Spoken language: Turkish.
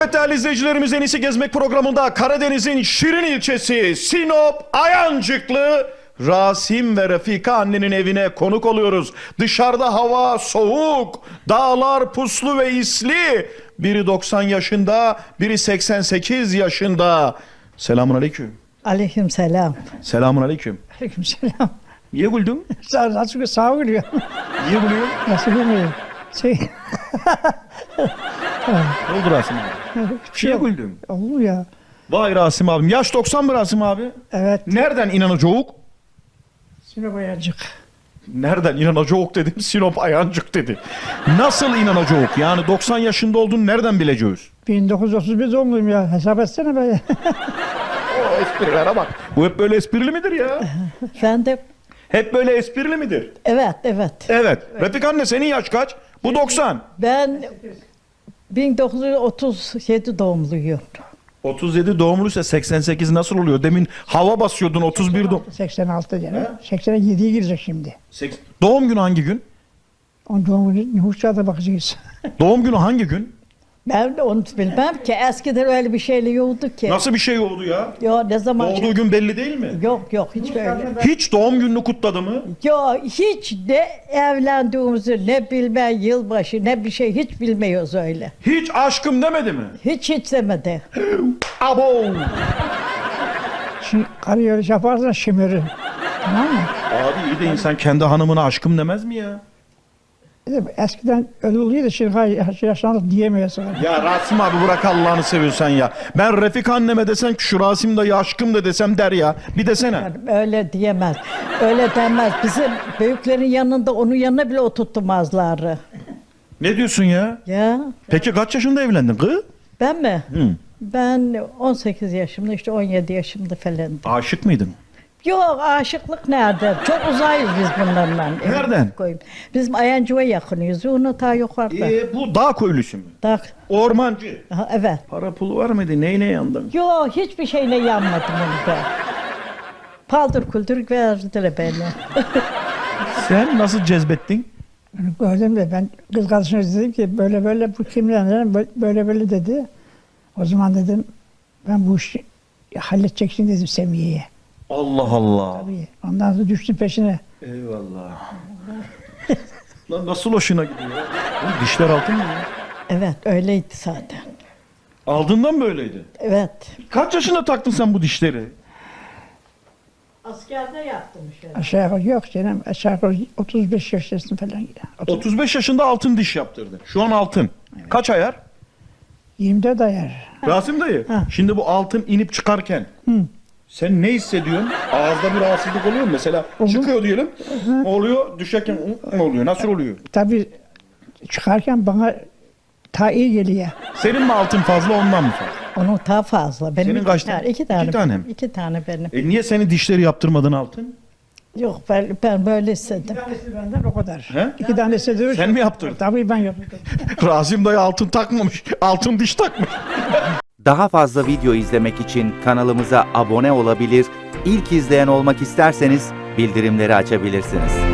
Evet değerli izleyicilerimiz, En İyisi Gezmek programında Karadeniz'in Şirin ilçesi Sinop Ayancıklı Rasim ve Refika annenin evine konuk oluyoruz. Dışarıda hava soğuk, dağlar puslu ve isli. Biri 90 yaşında, biri 88 yaşında. Selamun aleyküm. Aleyküm selam. Selamun aleyküm. Aleyküm selam. Niye güldün? Sağ gülüyor. Niye gülüyor? Nasıl gülmüyor? Ne oldu Rasim abi? Niye güldün? Olur ya. Vay Rasim abim. Yaş 90 mı Rasim abi? Evet. Nereden inanacağız? Sinop Ayancık. Nereden inanacağız dedim, Sinop Ayancık dedi. Nasıl inanacağız? Yani 90 yaşında olduğunu nereden bileceğiz? 1931 doğumluyum ya. Hesap etsene be. O esprilere bak. Bu hep böyle esprili midir ya? Efendim? Hep böyle esprili midir? Evet. Evet. Refik anne, senin yaş kaç? Bu 90. Ben 1937 doğumluyum. 37 doğumluysa 88 nasıl oluyor? Demin hava basıyordun, 31 doğum. 86 canım. 87'ye girecek şimdi. Doğum günü hangi gün? Onun doğum günü nüfusçağda bakacağız. Doğum günü hangi gün? Ben de onu bilmem ki. Eskiden öyle bir şeyle yoktu ki. Nasıl bir şey oldu ya? Yo ne zaman? Doğduğu gün belli değil mi? Yok hiç böyle. Hiç doğum gününü kutladı mı? Yo hiç ne evlendiğimizi ne bilme yılbaşı ne bir şey hiç bilmiyoruz öyle. Hiç aşkım demedi mi? Hiç demedi. Abo! Şimdi karı öyle yaparsan şımarır. Tamam mı? Abi iyi de insan kendi hanımına aşkım demez mi ya? Eskiden öyle oluyordu şimdi yaşlandık diyemiyorsun. Ya Rasim abi bırak Allah'ını seviyorsan ya. Ben Refik anneme desem ki şu Rasim dayı aşkım da desem der ya. Bir desene. Öyle diyemez. Öyle demez. Bizim büyüklerin yanında onun yanına bile oturtmazlar. Ne diyorsun ya? Ya Peki kaç yaşında evlendin kız? ben mi? Hı. Ben 18 yaşımda işte 17 yaşımda falandım. Aşık mıydın? Yok aşıklık nerede? Çok uzayız biz bunlarla. Nereden? Koyayım. Bizim Ayancık'a yakınıyız. Onu ta yukarıda. Bu dağ köylüsü mü? Tak. Ormancı. Aha, evet. Para pulu var mıydı? Neyine yandın? Yok hiçbir şeyle yanmadım onu ben. Paldır kuldur verdiler beni. Sen nasıl cezbettin? Gördüm de ben kız kardeşime dedim ki böyle bu kimden dedim böyle dedi. O zaman dedim ben bu işi halledeceksin dedim Semiye'ye. Allah Allah. Tabii. Ondan sonra düştüm peşine. Eyvallah. Lan nasıl hoşuna gidiyor? Oğlum dişler altın mı ya? Evet öyleydi zaten. Aldığından böyleydi. Evet. Kaç yaşında taktın sen bu dişleri? Askerde yaptım şöyle. Aşağı yukarı yok canım. Aşağı yukarı 35 yaşındasın falan. 35 yaşında altın diş yaptırdı. Şu an altın. Kaç ayar? 24 ayar. Rasim dayı. Ha. Şimdi bu altın inip çıkarken sen ne hissediyorsun? Ağızda bir rahatsızlık oluyor mu? Mesela çıkıyor diyelim. Oluyor. Düşerken oluyor. Nasıl oluyor? Tabii çıkarken bana ta iyi geliyor. Senin mi altın fazla, ondan mı fazla? Onun daha fazla. Benim Senin iki kaç tane? tane? İki tane. İki tane mi? İki tane benim. Niye senin dişleri yaptırmadın altın? Yok ben böyle istedim. Tanesi benden o kadar. He? 2 tanesi de Sen mi yaptırdın? Tabii ben yaptım. Rasim dayı altın takmamış. Altın diş takmış. Daha fazla video izlemek için kanalımıza abone olabilir, ilk izleyen olmak isterseniz bildirimleri açabilirsiniz.